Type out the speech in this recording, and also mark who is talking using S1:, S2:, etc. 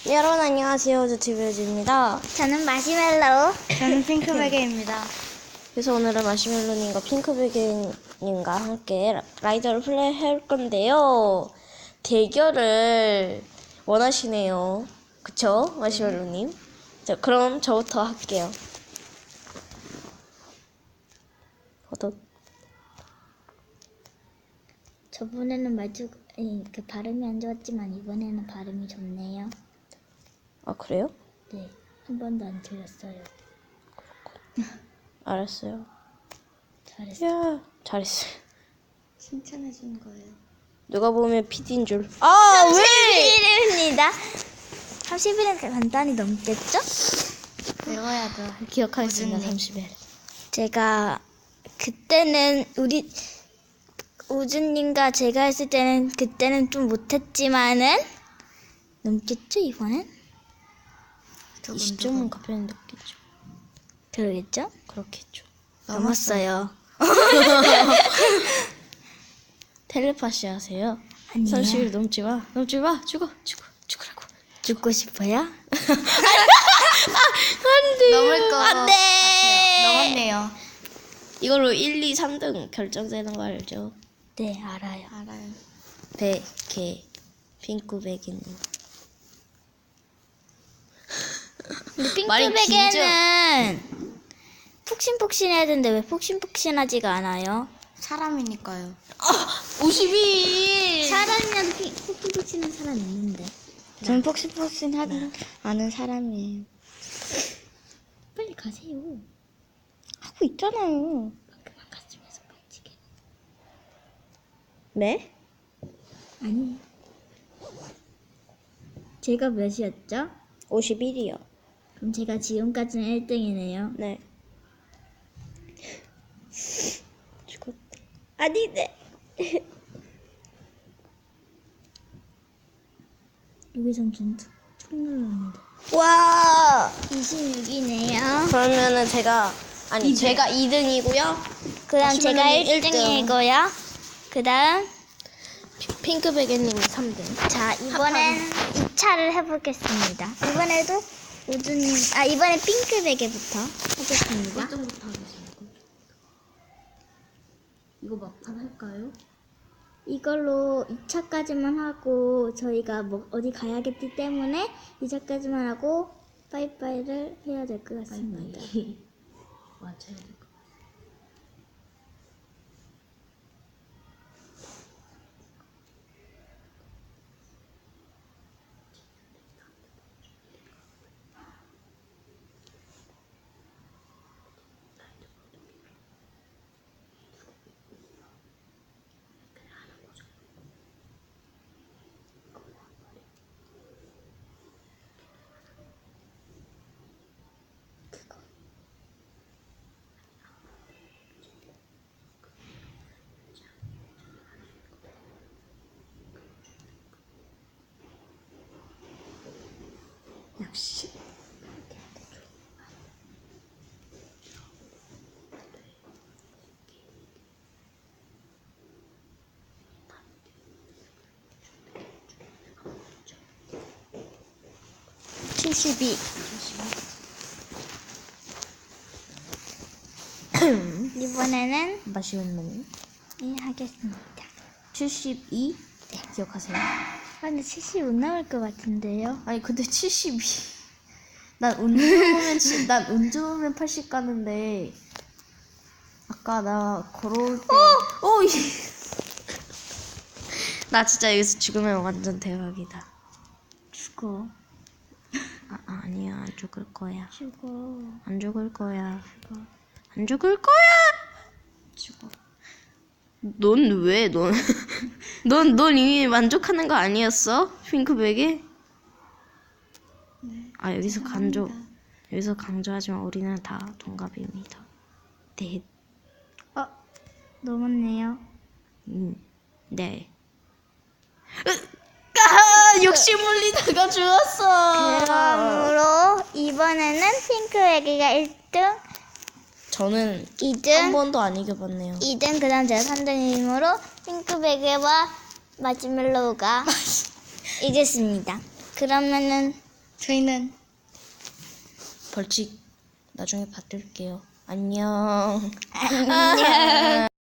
S1: 여러분 안녕하세요. 저 TV유지입니다.
S2: 저는 마시멜로우.
S3: 저는 핑크베개입니다.
S1: 그래서 오늘은 마시멜로님과 핑크베개님과 함께 라이더를 플레이할 건데요. 대결을 원하시네요. 그쵸? 마시멜로님. 자, 그럼 저부터 할게요.
S2: 저번에는 그 발음이 안 좋았지만 이번에는 발음이 좋네요.
S1: 아, 그래요?
S2: 네, 한 번도 안 틀렸어요.
S1: 알았어요.
S2: 잘했어요.
S1: 야, 잘했어요.
S3: 칭찬해주는 거예요.
S1: 누가 보면 PD인 줄. 아, 왜?
S2: 31일입니다. 30일은 간단히 넘겠죠?
S3: 외워야죠.
S1: 기억하겠습니다.
S3: 우주님.
S1: 30일.
S2: 제가 그때는 우주님과 제가 했을 때는 그때는 좀 못했지만은 넘겠죠 이번엔?
S1: 20점은 가편히 높겠죠.
S2: 그러겠죠?
S1: 그렇겠죠.
S2: 넘었어요.
S1: 텔레파시 하세요.
S2: 아니에요.
S1: 30일 넘지 마. 넘지 마. 죽으라고.
S2: 죽고 싶어요?
S1: 안 돼.
S3: 넘을 거
S1: 안 돼.
S3: 같아요. 넘었네요.
S1: 이걸로 1, 2, 3등 결정되는 거 알죠?
S2: 네, 알아요.
S3: 알아요.
S1: 베개, 핑크베개님.
S2: 근데
S1: 말이
S2: 핑크베개는 푹신푹신해야 되는데 왜 푹신푹신하지가 않아요?
S3: 사람이니까요.
S1: 52!
S2: 사람이라도 푹신푹신한 사람 있는데.
S3: 저는 폭신폭신하지 않은 사람이에요.
S2: 빨리 가세요.
S3: 하고 있잖아요.
S2: 그만 갔으면서 빡치게.
S1: 네?
S2: 아니. 제가 몇이었죠?
S1: 51이요.
S2: 그럼 제가 지금까지는 1등이네요.
S1: 네. 죽었다. 아니네.
S2: 여기선 전투 눌렀는데.
S1: 와!
S2: 26이네요.
S1: 그러면은 제가 2등이고요.
S2: 그 다음 제가
S1: 마시멜로님
S2: 1등이고요. 그 다음
S1: 핑크베개님이 3등.
S2: 자, 이번엔 2차를 해보겠습니다. 이번에도 이번엔 핑크베개부터 하겠습니다.
S1: 꼴등부터 하겠습니다. 이거 막판 할까요?
S2: 이걸로 2차까지만 하고 저희가 뭐 어디 가야겠기 때문에 2차까지만 하고 빠이빠이를 해야 될 것 같습니다.
S1: 맞아요. 역시.
S2: 이번에는
S1: 마시멜로님.
S2: 하겠습니다.
S1: 72? 네, 기억하세요.
S2: 근데 70 못 나올 것 같은데요?
S1: 아니 근데 72. 난 운 좋으면 80 가는데 아까 나 걸어올 때 나 진짜 여기서 죽으면 완전 대박이다.
S2: 죽어.
S1: 아니야, 안 죽을 거야.
S2: 죽어.
S1: 안 죽을 거야.
S2: 죽어.
S1: 안 죽을 거야.
S2: 죽어.
S1: 넌 왜? 넌 이미 만족하는 거 아니었어? 핑크백에?
S3: 네.
S1: 아, 여기서 강조하지만 우리는 다 동갑입니다. 네.
S2: 넘었네요.
S1: 네. 욕심 물리다가 죽었어.
S2: 그러므로 이번에는 핑크베개가 1등,
S1: 저는
S2: 2등,
S1: 한 번도 안 이겨봤네요.
S2: 2등, 그 다음 제가 3등이므로 핑크베개와 마시멜로우가 이겼습니다. 그러면은
S3: 저희는
S1: 벌칙 나중에 받을게요. 안녕.
S3: 안녕.